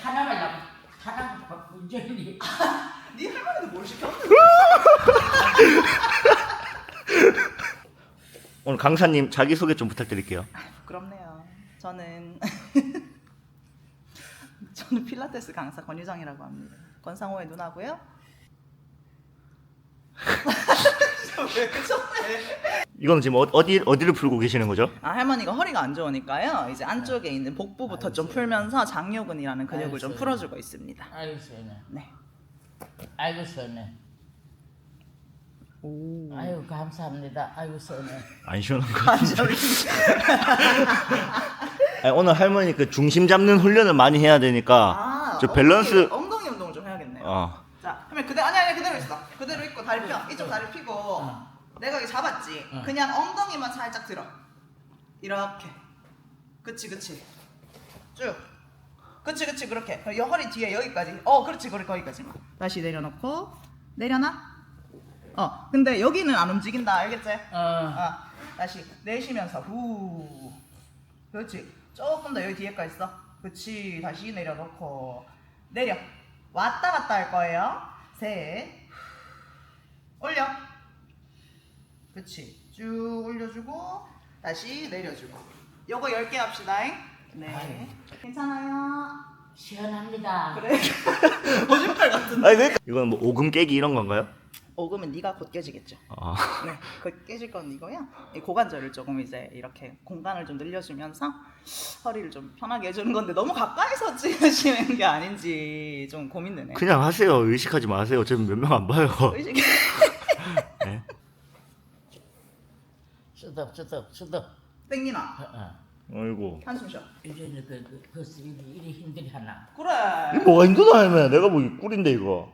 하나만 문제니. 네 할머니도 뭘 시켰는데? 오늘 강사님 자기소개 좀 부탁드릴게요. 부끄럽네요. 저는 필라테스 강사 권유정이라고 합니다. 권상호의 누나고요. 왜 그러네? 이거는 지금 어디를 풀고 계시는 거죠? 아, 할머니가 허리가 안 좋으니까요. 이제 안쪽에 있는 복부부터 좀 풀면서 장요근이라는 근육을 좀 풀어주고 있습니다. 아이고 시원해. 네. 아이고 시원해. 오. 아이고 감사합니다. 아이고 시원해. 안 시원한 거 같은데. 아니, 오늘 할머니 그 중심 잡는 훈련을 많이 해야 되니까 저 밸런스. 엉덩이 운동을 좀 해야겠네요. 어. 자, 그러면 아니 그대로 있어. 그대로 있고 다리 펴. 이쪽 다리 펴고. 내가 여기 잡았지. 그냥 엉덩이만 살짝 들어. 이렇게. 그치. 쭉. 그치 그렇게. 이 허리 뒤에 여기까지. 그렇지 거기까지. 다시 내려놓고 내려놔. 근데 여기는 안 움직인다. 알겠지? 다시 내쉬면서 후. 그렇지. 조금 더 여기 뒤에까지 있어. 그치. 다시 내려놓고 내려. 왔다 갔다 할 거예요. 셋. 올려. 그치. 쭉 올려주고 다시 내려주고. 요거 10개 합시다. 네. 괜찮아요. 시원합니다. 그래. 거짓말 같은데. 아니 그러니까 이건 뭐 오금 깨기 이런 건가요? 오금은 네가 곧 깨지겠죠. 아. 네, 곧 깨질 건 이거야. 이 고관절을 조금 이제 이렇게 공간을 좀 늘려주면서 허리를 좀 편하게 해주는 건데 너무 가까이서 찍으시는 게 아닌지 좀 고민되네. 그냥 하세요. 의식하지 마세요. 지금 몇 명 안 봐요. 의식. 네. 수덕. 땡기나. 아이고. 한숨 쉬어. 이제는 그 일이 힘들이 하나. 그래. 이거 뭐가 힘들다 할매. 내가 뭐 꿀인데 이거.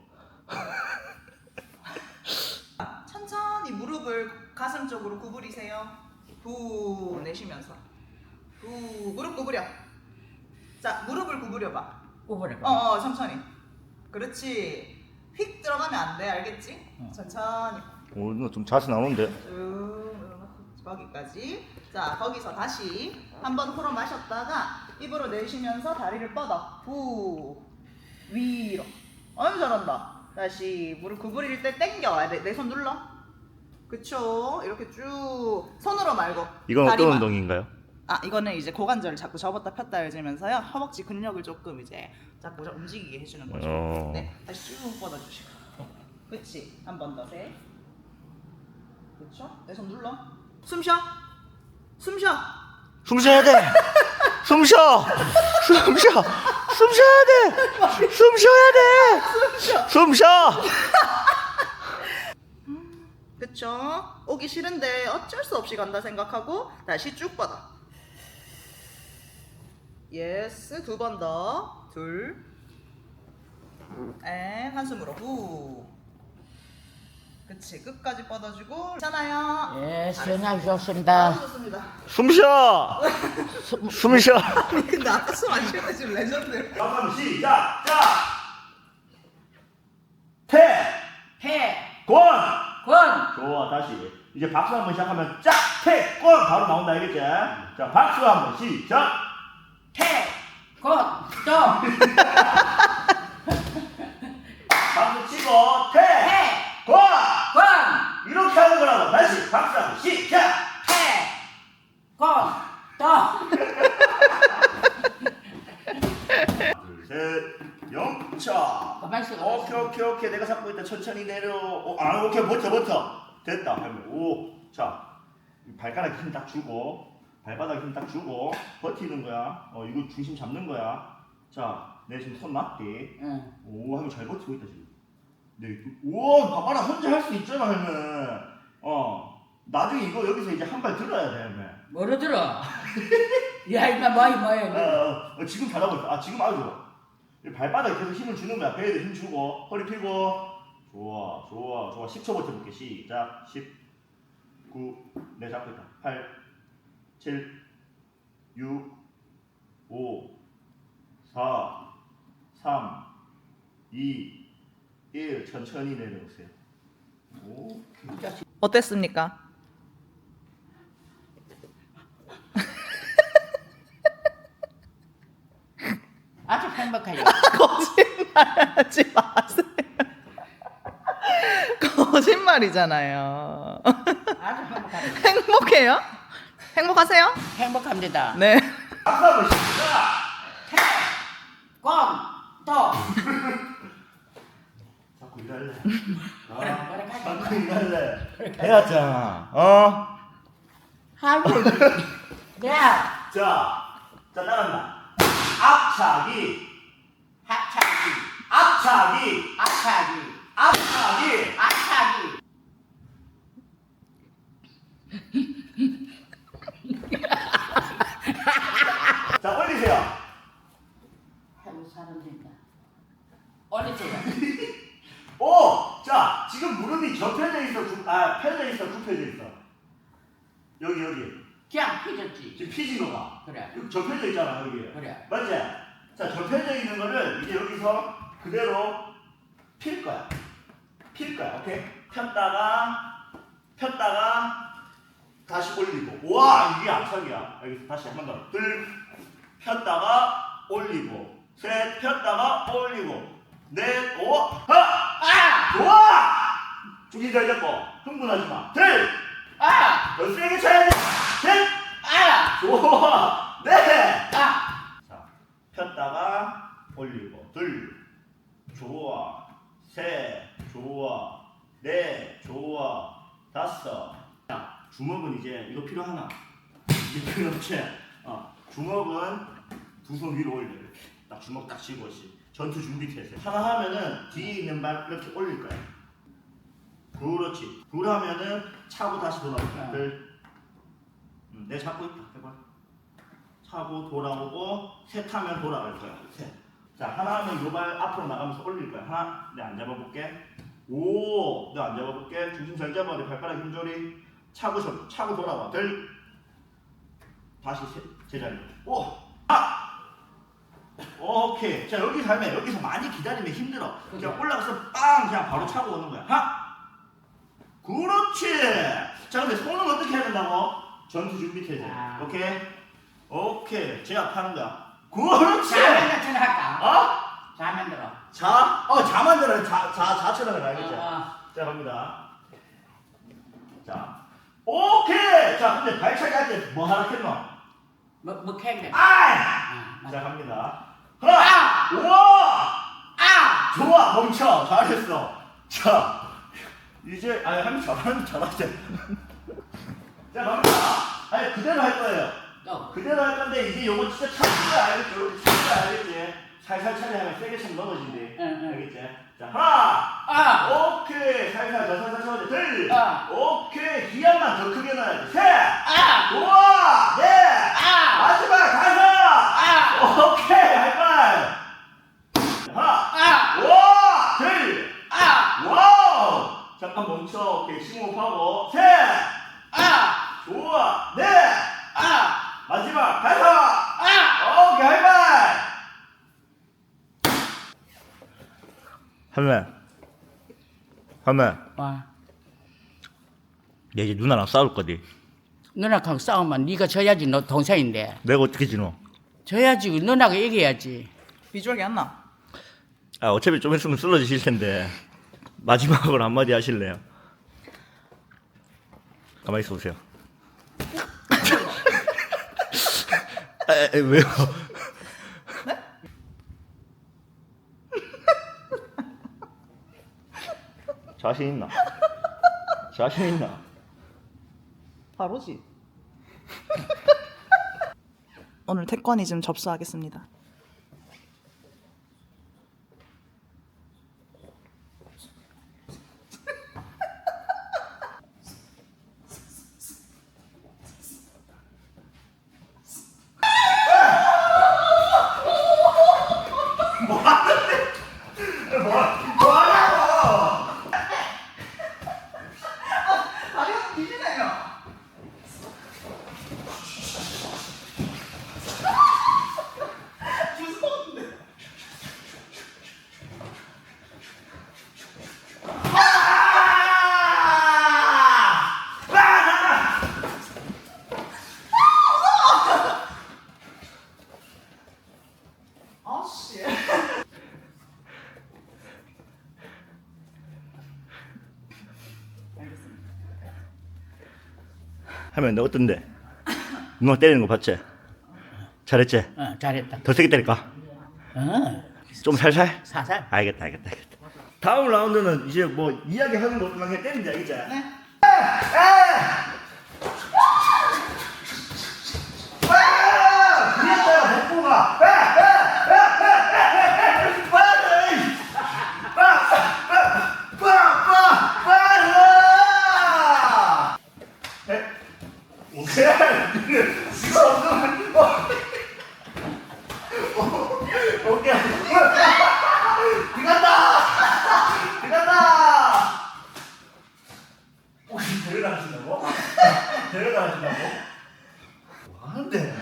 천천히 무릎을 가슴 쪽으로 구부리세요. 후 내쉬면서. 후 무릎 구부려. 자 무릎을 구부려봐. 오버려. 천천히. 그렇지. 휙 들어가면 안 돼. 알겠지? 천천히. 오, 이거 좀 자세 나오는데. 쭉 거기까지. 자 거기서 다시 한번 코로 마셨다가 입으로 내쉬면서 다리를 뻗어. 후 위로. 아유 잘한다. 다시 무릎 구부릴 때 당겨. 내 손 눌러. 그쵸. 이렇게 쭉 손으로 말고 이건 어떤 다리만. 운동인가요? 이거는 이제 고관절을 자꾸 접었다 폈다 해주면서요 허벅지 근력을 조금 이제 자꾸 움직이게 해주는 거죠. 네, 다시 쭉 뻗어주시고. 그치. 한 번 더. 셋. 그쵸. 내 손 눌러. 숨 쉬어. 숨 쉬어. 숨 쉬어야 돼. 숨 쉬어. 숨 쉬어. 숨 쉬어야 돼. 숨 쉬어야 돼. 숨 쉬어. 그쵸. 오기 싫은데 어쩔 수 없이 간다 생각하고 다시 쭉 뻗어. 예스. 두 번 더. 둘. 앤 한숨으로 후. 그치. 끝까지 뻗어주고. 괜찮아요. 예, 시원하게 좋습니다. 좋습니다. 숨 쉬어. 숨 쉬어. 아니 근데 아까 숨 안 쉴 때 지금 레전드. 잠깐만 시작. 자. 권. 좋아. 다시. 이제 박수 한번 시작하면 짝. 권 바로 나온다. 알겠지? 자, 박수 한번 시작. 박수 치고 권. 이렇게 하는 거라고. 다시 박수 한번 시작. 둘, 셋, 영차. 오케이. 내가 잡고 있다. 천천히 내려. 오케이. 버텨. 됐다. 자, 발가락 힘 딱 주고, 발바닥 힘 딱 주고, 버티는 거야. 이거 중심 잡는 거야. 자, 내 지금 손 맞디. 오, 하면 잘 버티고 있다 지금. 네, 우와, 봐봐라. 혼자 할 수 있잖아, 할매. 나중에 이거 여기서 이제 한 발 들어야 돼, 할매. 뭐로 들어? 야 이마 뭐야? 지금 잘하고 있어. 지금 아주 좋아. 발바닥에 계속 힘을 주는 거야. 배에도 힘 주고, 허리 펴고. 좋아. 10초 버텨볼게. 시작. 10, 9, 내 잡고 있다. 8, 7, 6, 5, 4, 3, 2, 1. 천천히 내려오세요. 오케이. 어땠습니까? 아주 행복해요. 거짓말하지 마세요. 거짓말이잖아요. 아주 행복합니다. 행복해요? 행복하세요? 행복합니다. 네. 박수 한번 칩시다. 꽝! 또! 자꾸 일할래. 뭐라 하지? 자꾸 일할래. 해야잖아. 어? 아이고. 야! 자 따라한다. 앞차기, 합차기. 앞차기, 앞차기. 앞차기. 앞차기. 자 올리세요. 아이고 사람들이다. 올리세요. 오, 자 지금 무릎이 접혀져 있어, 펴져 있어, 굽혀져 있어. 여기. 그냥 펴졌지. 지금 피진 거가. 그래. 여기 접혀져 있잖아 여기. 그래. 맞지? 자 접혀져 있는 거를 이제 여기서 그대로 필 거야. 오케이? 폈다가 다시 올리고. 와 이게 앞차기야. 여기서 다시 한 번 더. 둘 폈다가 올리고. 셋 폈다가 올리고. 넷 오. 하! 좋아! 중심 잘 잡고 흥분하지 마. 둘! 더 세게 쳐야지. 셋! 좋아! 넷! 자, 폈다가 올리고. 둘. 좋아. 셋. 좋아. 넷. 좋아. 다섯. 자, 주먹은 이제 이거 필요하나? 이게 필요 없지? 주먹은 두 손 위로 올려. 이렇게. 딱 주먹 딱 쥐고 씨. 전투 준비 태세. 하나 하면은 뒤에 있는 발 이렇게 올릴 거야. 그렇지. 둘 하면은 차고 다시 돌아올 거야. 내 잡고 있다. 해봐. 차고 돌아오고 셋 하면 돌아갈 거야. 셋. 자 하나 하면 요 발 앞으로 나가면서 올릴 거야. 하나. 내 안 잡아볼게. 오. 내 안 잡아볼게. 중심 잘 잡아. 내 발가락 힘조리. 차고 돌아와. 둘. 다시 제자리. 오. 오케이. 자 여기서 하면 여기서 많이 기다리면 힘들어. 그냥 올라가서 빵 그냥 바로 차고 오는 거야. 그렇지. 자 근데 손은 어떻게 해야 된다고? 전투 준비 태세. 오케이. 제압하는 거야. 그렇지. 자면 할까? 어? 자면 들어. 자 만들어. 자처럼 해라. 알겠지? 자 갑니다. 자 오케이. 자 근데 발차기 할 때 뭐 하라 했노? 뭐 캔데? 자 갑니다. 하나. 우와. 좋아. 멈춰. 잘했어. 자 이제 한번 잘하지. 자 갑니다. 그대로 할 거예요. 그대로 할 건데 이제 요거 진짜 참는 알겠죠? 이렇게 참는 알겠지? 살살 차례하면 세게 참 넘어진대. 알겠지? 자 하나. 오케이. 살살 쳐야 돼. 둘. 오케이. 기압만 더 크게 넣어야 돼. 셋. 좋아. 넷. 마지막 다섯. 오케이. 하이파이브. 하나. 와. 둘. 와우. 잠깐 멈춰. 오케이. 심호흡하고. 셋. 좋아. 넷. 마지막 다섯. 오케이. 하이파이브. 할매. 와. 내 이제 누나랑 싸울 거지. 누나하고 싸우면 네가 져야지. 너 동생인데. 내가 어떻게 지노? 져야지. 누나가 이겨야지. 비주얼이 안 나. 어차피 좀 있으면 쓰러지실 텐데 마지막으로 한마디 하실래요? 가만히 있어 보세요. 왜요? 네? 자신 있나? 자신 있나? 바로지. 오늘 태권이즘 접수하겠습니다. 다리가 뒤지네요. 하면 너 어떤데? 누나 때리는 거 봤지? 잘했지? 잘했다. 더 세게 때릴까? 좀 살살? 사살. 알겠다. 다음 라운드는 이제 뭐 이야기하는 거 그냥 때리면 돼, 알겠지? 네. 그랬어요, 복부가. 오케이. 들어간다. 혹시 데려다주신다고? 데려다주신다고? 뭐 하는데?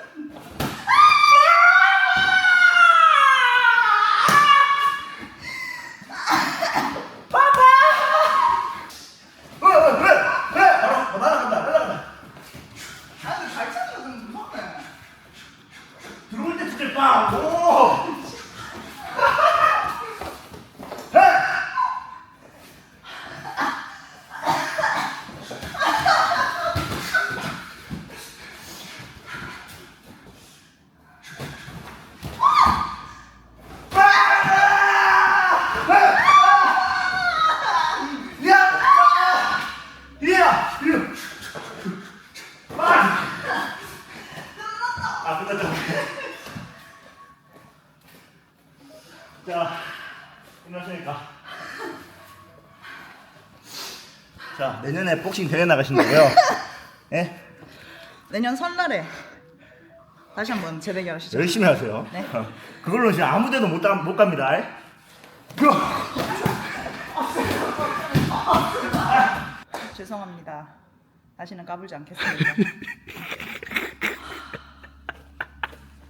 왜? 바로 날아간다. 아니 잘 찾는 거 좀 무섭네. 들어올 때 진짜 빵! 오! 자, 끝났으니까. 자, 내년에 복싱 대회 나가신다고요? 예? 내년 설날에 다시 한번 재대결 하시죠. 열심히 하세요. 네. 그걸로 지금 아무 데도 못 갑니다. 예? 죄송합니다. 다시는 까불지 않겠습니다.